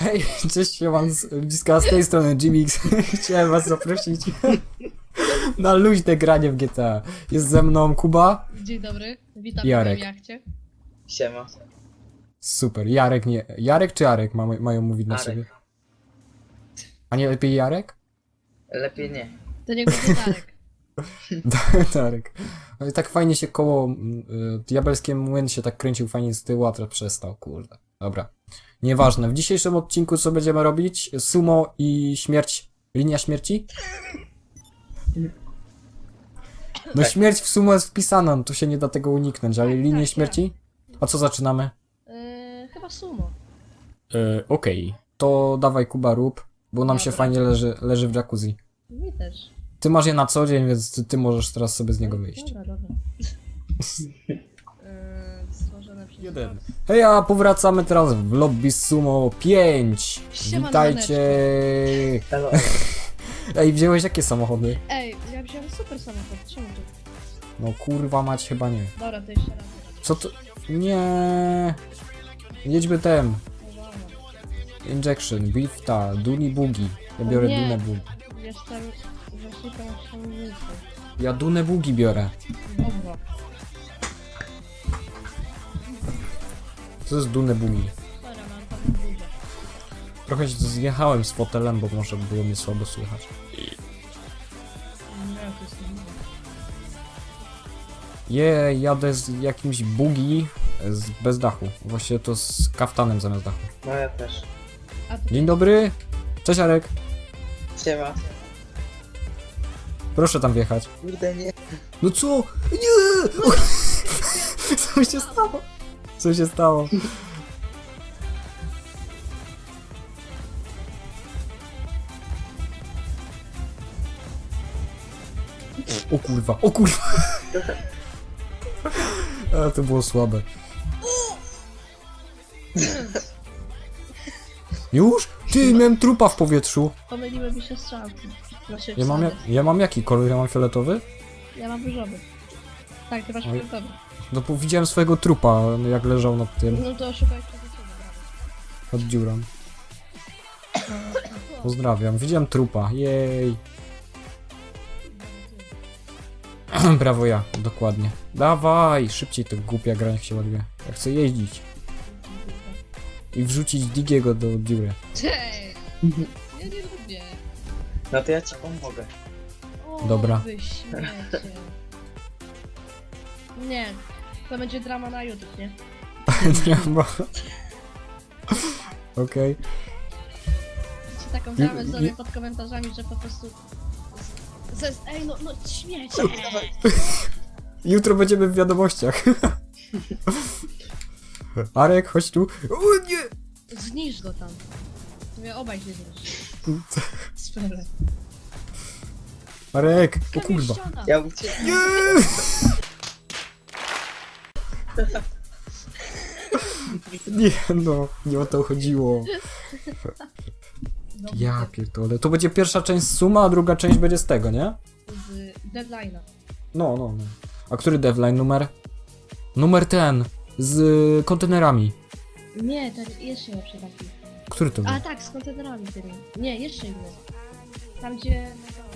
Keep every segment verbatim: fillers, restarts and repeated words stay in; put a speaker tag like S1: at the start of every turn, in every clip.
S1: Hej, cześć, siemam z bliska z tej strony Gmix. Chciałem was zaprosić na luźne granie w G T A. Jest ze mną Kuba.
S2: Dzień dobry, witam
S1: Jarek.
S2: w jachcie.
S3: Siema.
S1: Super, Jarek nie... Jarek czy Arek ma, mają mówić na
S3: Arek.
S1: siebie? A nie lepiej Jarek?
S3: Lepiej nie.
S2: To niech będzie Darek.
S1: Darek. Ale tak fajnie się koło... Y, diabelskie młyn się tak kręcił fajnie z tyłu, a teraz przestał, kurde. Dobra. Nieważne. W dzisiejszym odcinku co będziemy robić? Sumo i śmierć... Linia śmierci? No
S3: Tak.
S1: śmierć w sumo jest wpisana, no tu się nie da tego uniknąć, ale
S2: Tak,
S1: linię
S2: tak,
S1: śmierci? A co zaczynamy?
S2: Yy, chyba sumo.
S1: Yy, Okej. To dawaj Kuba rób, bo nam się
S2: Dobra.
S1: fajnie leży, leży w jacuzzi.
S2: Mi też.
S1: Ty masz je na co dzień, więc ty, ty możesz teraz sobie z niego wyjść.
S2: Dobra, dobra. Yy, stworzone przez
S1: Jeden. Hej, a powracamy teraz w lobby sumo pięć.
S2: Siema,
S1: Witajcie.
S3: Halo.
S1: Ej, wziąłeś jakie samochody?
S2: Ej, ja wziąłem super samochód, czemu tu?
S1: No kurwa mać chyba nie.
S2: Dobra, to jeszcze raz.
S1: Co to? Nie. Jedźmy tem.
S2: Uwaga.
S1: Injection, Bifta, Duni Bugi. Ja biorę
S2: Nie.
S1: Dunę Bugi.
S2: Jestem... Właśnie tam osiągnięty.
S1: Ja Dunę Bugi biorę.
S2: Dobra.
S1: Co jest Dunę Bugi?
S2: Dobra, mam tam dużo.
S1: Trochę się zjechałem z fotelem, bo może było mnie słabo słychać.
S2: Nie, to jest nie.
S1: Je, jadę z jakimś bugi z, bez dachu. Właściwie to z kaftanem zamiast dachu.
S3: No ja też.
S2: A to
S1: Dzień dobry. Cześć Arek.
S3: Siema.
S1: Proszę tam wjechać.
S3: Kurde nie.
S1: No co? Nie! Co się stało? Co się stało? O kurwa, o kurwa! A, to było słabe. Już? Ty, miałem trupa w powietrzu.
S2: pomyliły mi się strzałki. Znaczy,
S1: Ja mam, ja,
S2: wsady.
S1: ja mam jaki kolor? Ja mam fioletowy?
S2: Ja mam różowy. Tak, ty masz
S1: Oj.
S2: fioletowy.
S1: No bo widziałem swojego trupa, jak leżał nad tym,
S2: No to szukaj przed siebie, brawo.
S1: nad dziurą. Pozdrawiam, widziałem trupa, jej. Brawo ja, dokładnie. Dawaj, szybciej to głupia gra, niech się ładuje. Ja chcę jeździć i wrzucić Digiego do dziury.
S2: Cześć! Ja nie lubię.
S3: No to ja ci pomogę.
S2: O,
S1: Dobra.
S2: wy śmiecie. Nie, to będzie drama na YouTube, nie?
S1: Drama. Okej.
S2: Czy taką dramę zrobię pod komentarzami, że po prostu... z- z- Ej, no, no śmiecie!
S1: Jutro będziemy w wiadomościach. Arek, chodź tu. O nie!
S2: Zniszcz go tam. Mówię, obaj się zniszcz. Sprawę.
S1: Arek, o kurwa.
S3: Ja uciekam.
S1: Nie! Nie no, nie o to chodziło. Ja pierdolę. To będzie pierwsza część z Suma, a druga część będzie z tego, nie?
S2: Z deadline'a.
S1: No, no, no. A który deadline numer? Numer ten. Z kontenerami.
S2: Nie, to jeszcze lepszy taki.
S1: Który to był?
S2: A tak, z kontenerami tymi. Nie, jeszcze inny. Tam gdzie...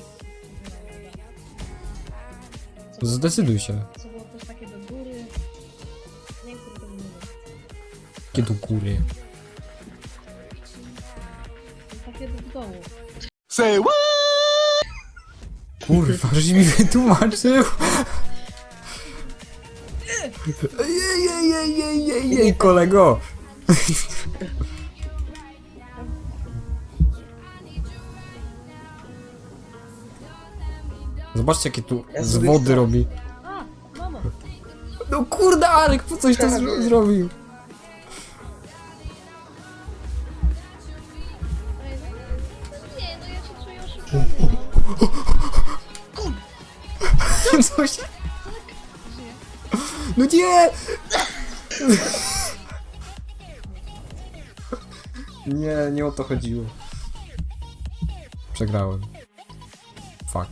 S2: Co było
S1: Zdecyduj się.
S2: takie- Co było też takie do góry. Nie wiem, który to był.
S1: Jakie do góry?
S2: Takie do dołu.
S1: Kurwa, żeś mi wytłumaczył. Jej, jej, jej, jej, jej, jej, kolego. Zobaczcie, jakie tu
S3: Ja
S1: z
S3: sobie
S1: wody
S3: chcę.
S1: robi.
S2: A, mamo!
S1: No kurde, Arek, po coś to zro zrobił?
S2: Ej, no, no nie, no ja się czuję oszukany, no.
S1: Co się...
S2: Żyję.
S1: No nie! Nie, nie o to chodziło. Przegrałem. Fuck.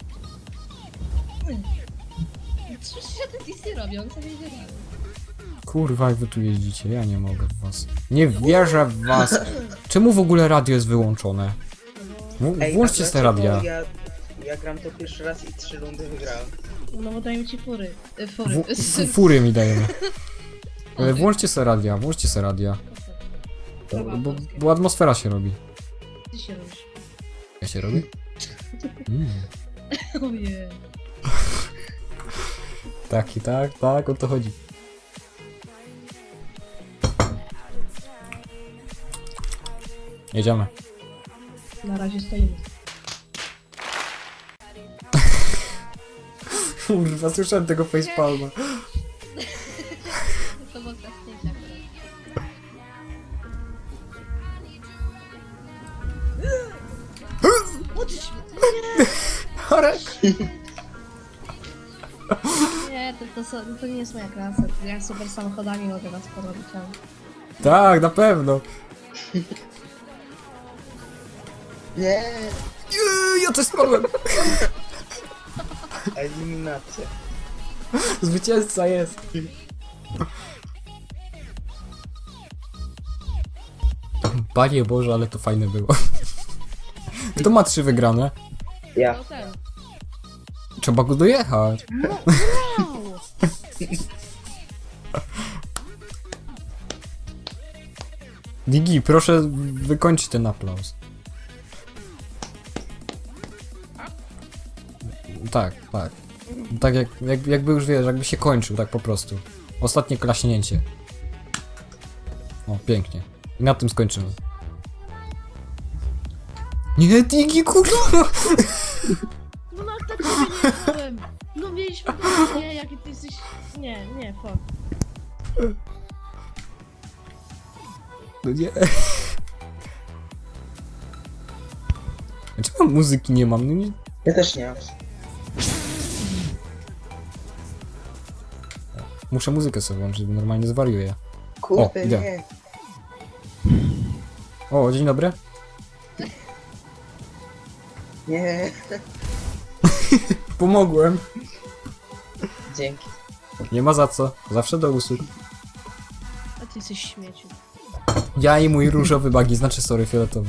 S2: Co się tak nic nie robi, on sobie idzie dalej.
S1: Kurwa, jak wy tu jeździcie, ja nie mogę w was. Nie wierzę w was. Czemu w ogóle radio jest wyłączone? W,
S3: Ej,
S1: włączcie
S3: a
S1: te
S3: dlaczego
S1: radia.
S3: Ja, ja gram to pierwszy raz i trzy rundy wygrałem.
S2: No bo dają ci fury. Y, fury.
S1: W, f, fury mi dajemy. E, Włączcie se radia, włączcie se radia. Bo, bo, bo atmosfera się robi.
S2: Ty się robisz.
S1: Ja się robi? Mm.
S2: Ojej.
S1: Tak i tak, tak, o to chodzi. Jedziemy.
S2: Na razie stoimy.
S1: Kurwa, słyszałem tego facepalma.
S2: To było zdjęcia akurat. Uczyć mnie.
S1: Arek!
S2: Nie, to, to, są- to nie jest moja klasa. Ja super samochodami mogę was porobić, ale...
S1: Tak, na pewno.
S3: Nie!
S1: Jej, ja też spadłem.
S3: Eliminacja.
S1: Zwycięzca jest. Panie Boże, ale to fajne było. Kto ma trzy wygrane?
S3: Ja.
S2: No ten.
S1: Trzeba go dojechać.
S2: No, wow!
S1: Digi, proszę wykończyć ten aplauz. Tak, tak. Tak jak, jak, jakby już wiesz, jakby się kończył, tak po prostu. Ostatnie klaśnięcie. O, pięknie. I na tym skończymy. Nie, Digi, kurwa!
S2: No na tak sobie nie jechałem. No mieliśmy to, nie, jaki ty jesteś... Nie, nie, fuck.
S1: No nie. Czemu muzyki nie mam? No nie.
S3: Ja też nie mam.
S1: Muszę muzykę sobie włączyć, bo normalnie zwariuję.
S3: Kurde,
S1: O, idę.
S3: nie.
S1: O, dzień dobry.
S3: Nie.
S1: Pomogłem.
S3: Dzięki.
S1: Nie ma za co. Zawsze do usług.
S2: A ty jesteś śmieciu.
S1: Ja i mój różowy bagi, znaczy sorry, fioletowy.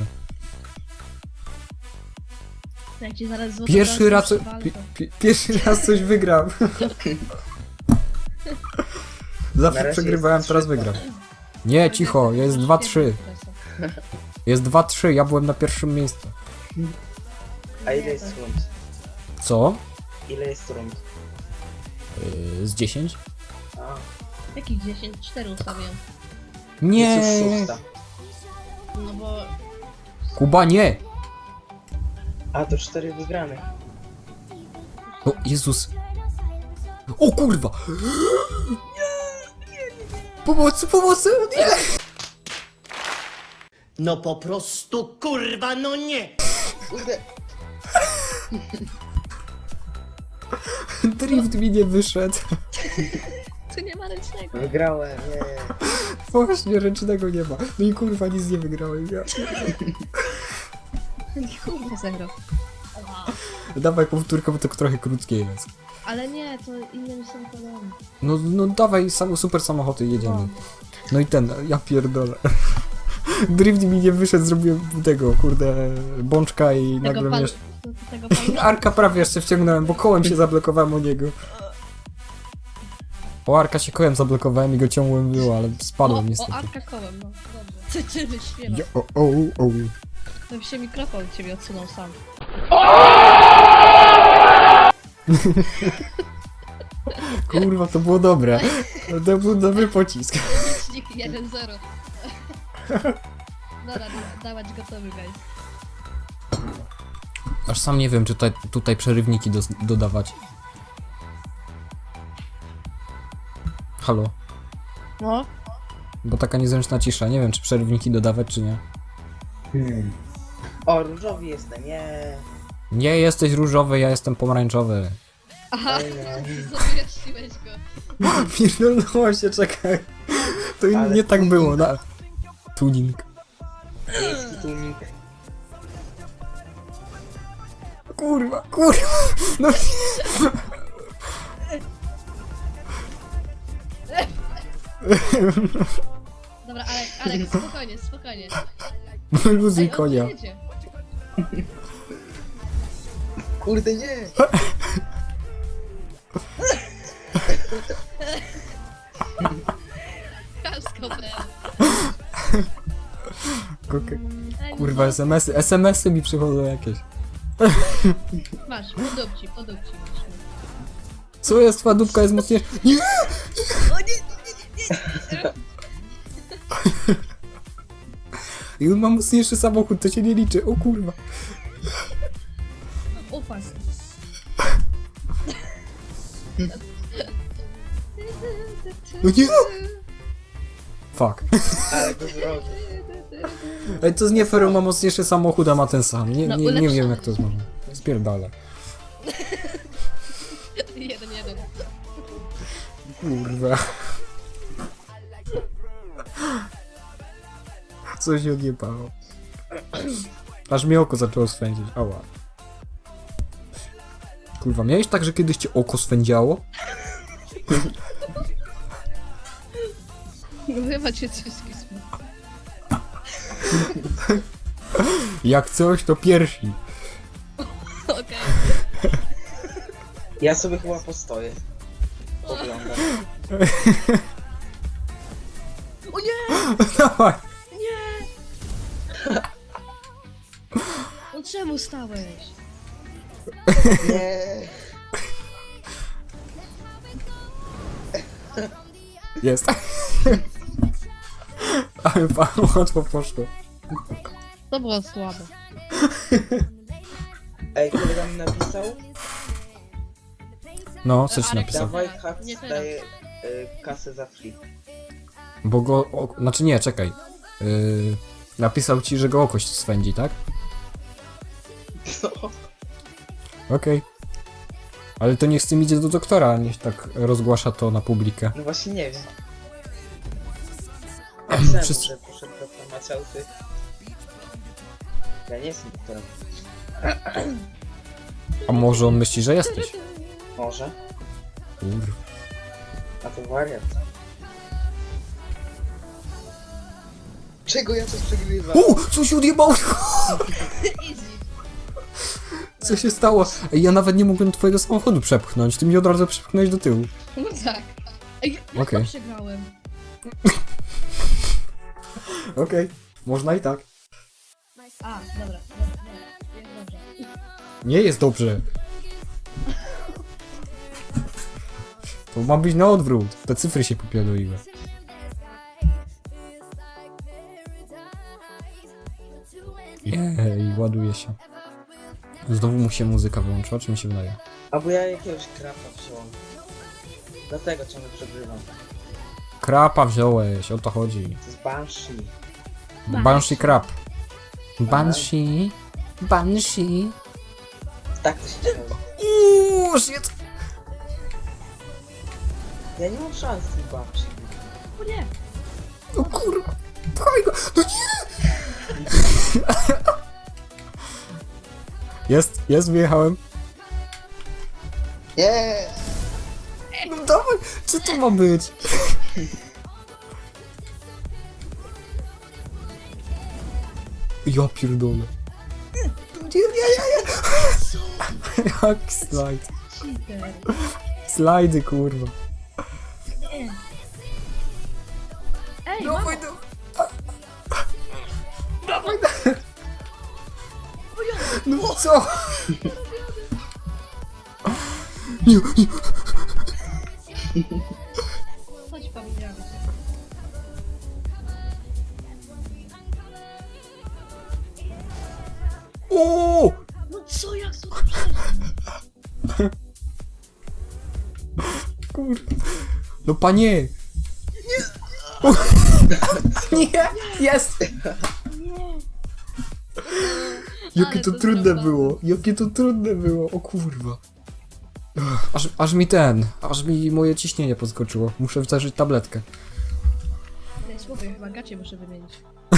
S2: Jak ci zaraz złoto
S1: Pierwszy raz,
S2: przywalę,
S1: pi,
S2: to-
S1: pi, pierwszy raz coś wygram.
S3: Na
S1: Zawsze
S3: razie
S1: przegrywałem,
S3: jest
S1: teraz
S3: trzy,
S1: wygram. Nie, cicho, jest dwa trzy. Jest dwa trzy, ja byłem na pierwszym miejscu.
S3: A ile jest rund?
S1: Co?
S3: Ile jest rund?
S1: Yy, z dziesięć?
S3: A,
S2: Jakich dziesięć? cztery ustawiłem.
S1: Nie!
S3: jest już szósta.
S2: No bo...
S1: Kuba, nie!
S3: A, to cztery wygrane.
S1: O, Jezus. O kurwa! Pomocy, pomocy! Nie!
S4: No po prostu kurwa, no nie!
S3: Kurde.
S1: Drift mi nie wyszedł.
S2: Tu nie ma ręcznego.
S3: Wygrałem, nie.
S1: Właśnie, ręcznego nie ma. No i kurwa, nic nie wygrałem. Ja.
S2: Kurde, zero.
S1: Dawaj powtórkę, bo to trochę krótkie jest.
S2: Ale nie, to inne mi są podobne.
S1: No, no dawaj, sam, super samochody, jedziemy. No i ten, ja pierdolę. Drift mi nie wyszedł, zrobiłem tego, kurde, bączka i
S2: Tego
S1: nagle
S2: pan...
S1: mnie...
S2: to- Tego pan...
S1: Arka prawie jeszcze wciągnąłem, bo kołem się zablokowałem o niego. O Arka się kołem zablokowałem i go ciągłem było, ale
S2: O,
S1: spadłem
S2: o,
S1: niestety.
S2: Arka kołem, no. Dobrze. Ty, ty wyśpiewa.
S1: Ja, o, o, o.
S2: To się mikrofon od ciebie odsunął sam.
S1: Kurwa, to było dobre. To był dobry pocisk.
S2: Licznik jeden zero. Dobra, dawać gotowy, guys.
S1: Aż sam nie wiem, czy tutaj, tutaj przerywniki dos- dodawać. Halo?
S2: No?
S1: Bo taka niezręczna cisza. Nie wiem, czy przerywniki dodawać, czy nie.
S3: Hmm. O, różowy jestem, nie.
S1: Nie jesteś różowy, ja jestem pomarańczowy.
S2: Aha,
S3: Oj, nie.
S2: wyjaśniłeś go.
S1: Pierdolnęło się, czekaj. To
S3: Ale
S1: nie tak było, na... Tuning.
S3: Miejski tunik.
S1: Kurwa, kurwa. No nie.
S2: Dobra, Alek, Alek, spokojnie, spokojnie.
S1: Wyluzuj
S2: Ej, on
S1: konia.
S2: tu jedzie.
S3: Kurde, nie!
S2: Kalsko,
S1: Kukę. Kurwa, es em esy, es em esy mi przychodzą jakieś.
S2: Masz, podupci, podupci masz.
S1: Co jest, twoja dupka jest mocniejsza? Nie! I on ma mocniejszy samochód, to się nie liczy, o kurwa.
S2: Upas.
S1: No nie! Fuck.
S3: Ale go zrobił.
S1: Ej, to jest nie fair, on ma mocniejszy samochód, a ma ten sam. Nie,
S2: No,
S1: nie, nie
S2: ulepszony.
S1: wiem jak to jest możliwe. Spierdala.
S2: Jeden, jeden.
S1: Kurwa. Co się odjebało. Aż mi oko zaczęło swędzić. Ała. Kurwa, miałeś tak, że kiedyś cię oko swędziało?
S2: No chyba cię coś skisło.
S1: Jak coś, to pierwsi.
S2: Okej.
S3: Ja sobie chyba postoję. Poglądam.
S2: O nie!
S1: Dawaj.
S2: Nie! No czemu stałeś?
S3: Nie!
S1: Jest. Ale pan łatwo poszło.
S2: To było słabe.
S3: Ej, kolega mi napisał,
S1: No, co ci
S2: Ale-
S1: napisał?
S3: dawaj
S2: Nie
S3: Hax
S2: teraz.
S3: daje y, kasę za free.
S1: Bo go... O, znaczy nie, czekaj. Yy, napisał ci, że go okość swędzi, tak?
S3: No.
S1: Okej. Ale to niech z tym idzie do doktora, a niech tak rozgłasza to na publikę.
S3: No właśnie nie wiem. Napisałem,
S1: Wszyscy-
S3: że poszedł do farmaceuty. Ja nie jestem doktorem.
S1: A może on myśli, że jesteś?
S3: Może?
S1: Kurwa.
S3: A to wariat. Czego ja coś przegrywam?
S1: O! Co się odjebało?
S2: Easy.
S1: Co się stało? Ej, ja nawet nie mogłem twojego samochodu przepchnąć, ty mi od razu przepchnąłeś do tyłu.
S2: No tak. Ej, jak
S1: Okej.
S2: to przegrałem?
S1: Okej. Można i tak.
S2: A, dobra, dobra, dobra. Jest dobrze.
S1: Nie jest dobrze. To ma być na odwrót. Te cyfry się popiadoiły. Jej, ładuje się. Znowu mu się muzyka wyłączyła, czy mi się wydaje?
S3: Albo ja jakiegoś krapa wziąłem. Dlatego ciągle przegrywam.
S1: Krapa wziąłeś, o to chodzi.
S3: To jest Banshee.
S1: Banshee krap. Banshee. Banshee.
S3: Tak to się dzieje.
S1: Uuu, shit.
S3: Ja nie mam szans z tym Banshee.
S2: O nie!
S1: O kurwa. Pchaj go. No nie. Jest, jest, wyjechałem.
S3: Nie!
S1: No dawaj, co to ma być? Ja pierdolę. Nie, nie, nie, nie. Jak slajd.
S2: Cheater.
S1: Slajdy, kurwa.
S2: Nie. Ej, mamo!
S1: Dawaj, dawaj. Dawaj, no co? Nie, nie.
S2: Chodź, powiedziałem się.
S1: O!
S2: No co, jak to przeżył?
S1: Kurwa. No panie! Nie! Nie! Jest!
S2: Nie!
S1: Jakie
S2: Ale
S1: to
S2: to
S1: trudne
S2: zrobię.
S1: było! Jakie to trudne było! O kurwa. Ach, Aż, aż mi ten, aż mi moje ciśnienie podskoczyło. Muszę zażyć tabletkę.
S2: Ej, słowie, chyba gacie muszę wymienić.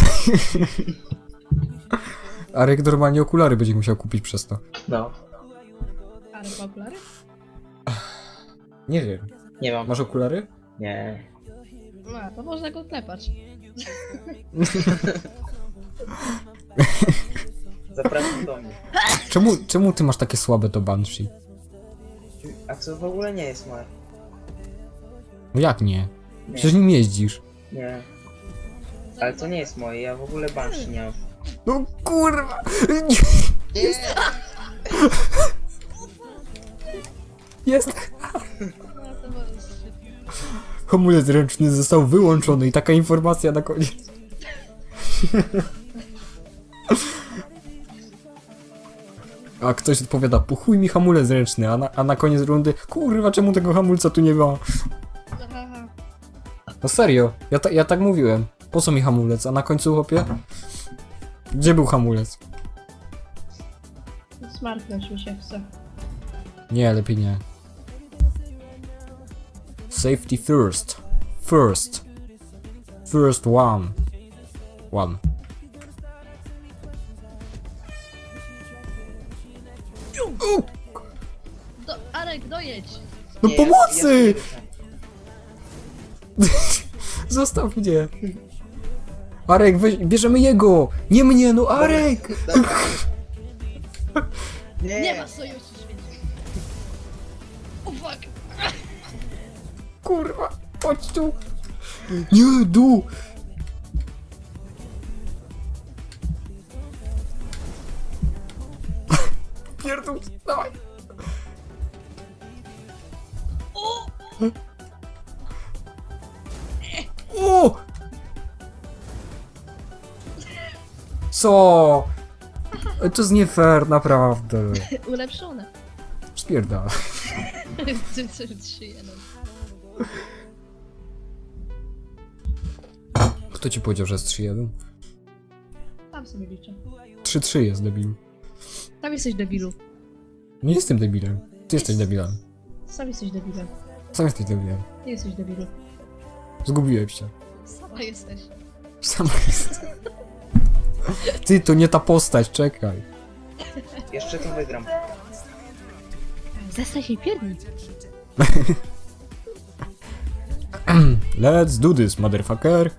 S1: Arek normalnie okulary będzie musiał kupić przez to.
S3: No.
S2: Ale ma okulary?
S1: Nie wiem.
S3: Nie mam.
S1: Masz okulary?
S3: Nie.
S2: No, to można go klepać.
S3: Zapraszam do mnie.
S1: Czemu, czemu ty masz takie słabe to Banshee?
S3: A co w ogóle nie jest moje?
S1: No jak nie?
S3: Nie.
S1: Przecież nim jeździsz.
S3: Nie. Ale to nie jest moje, ja w ogóle Banshee nie mam.
S1: No kurwa! Jest!
S2: No, to możesz.
S1: Hamulec ręczny został wyłączony i taka informacja na koniec. A ktoś odpowiada, puchuj mi hamulec ręczny, a na, a na koniec rundy, kurwa, czemu tego hamulca tu nie ma?
S2: Aha.
S1: No serio, ja, ta, ja tak mówiłem. Po co mi hamulec? A na końcu chłopie? Gdzie był hamulec?
S2: Smartnąć mi się chce.
S1: Nie, lepiej nie. Safety first. First. First one. One. U,
S2: Do, Arek, dojedź!
S1: no
S3: Nie, ja-
S1: pomocy!
S3: Ja,
S1: Zostaw mnie. Arek, weź, bierzemy jego! Nie mnie, no Arek!
S3: nie,
S2: Nie ma sojuszu świetnie. O fuck!
S1: Kurwa, chodź tu! Nie, du! Pierdol, dawaj!
S2: O!
S1: O! Co? To jest nie fair, naprawdę.
S2: Ulepszone.
S1: Spierdala.
S2: trzy jeden.
S1: Kto ci powiedział, że jest trzy jeden?
S2: Tam sobie liczę.
S1: trzy trzy jest debil.
S2: Tam jesteś debilu.
S1: Nie jestem debilem. Ty jesteś debilem.
S2: Sam jesteś debilem.
S1: Sam jesteś debilem.
S2: Ty jesteś debilu.
S1: Zgubiłem się.
S2: Sama jesteś.
S1: Sam jest. Ty, to nie ta postać, czekaj.
S3: jeszcze to wygram.
S2: Zestań się pierdni.
S1: Let's do this, motherfucker.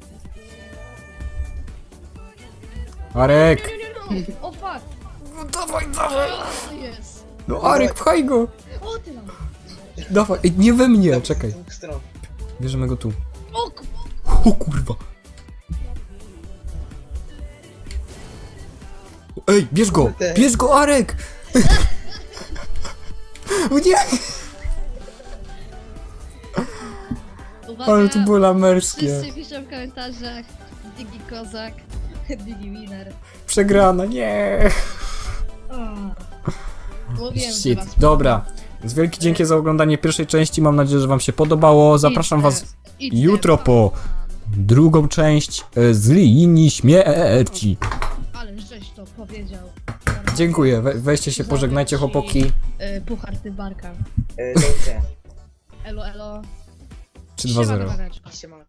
S1: Arek!
S2: Nie, nie, nie, no. O fuck!
S1: No dawaj, dawaj!
S2: O, to jest!
S1: No Arek, pchaj go!
S2: O ty nam!
S1: Dawaj, ej, nie we mnie, czekaj.
S3: Z dwóch stron.
S1: Bierzemy go tu.
S2: O ku...
S1: O kurwa! Ej, bierz go!
S3: Kurde.
S1: Bierz go, Arek! O nie!
S2: Uwaga!
S1: Ale to było lamerskie.
S2: Wszyscy piszą w komentarzach Digi Kozak, Digi Winner.
S1: Przegrana, nie!
S2: O. Mówiłem, że
S1: Shit.
S2: was...
S1: Dobra. Więc wielkie dzięki za oglądanie pierwszej części. Mam nadzieję, że wam się podobało. Zapraszam was
S2: Idź
S1: jutro
S2: teraz.
S1: po drugą część e, z linii śmierci.
S2: Ale żeś to powiedział.
S1: Dziękuję. We, weźcie się, pożegnajcie chłopaki.
S2: Y, Puchar ty barka.
S3: Yy, do widzenia.
S2: Elo, elo.
S1: trzy dwa
S2: Siema,
S1: zero.
S2: kochanieczko.
S3: Siema.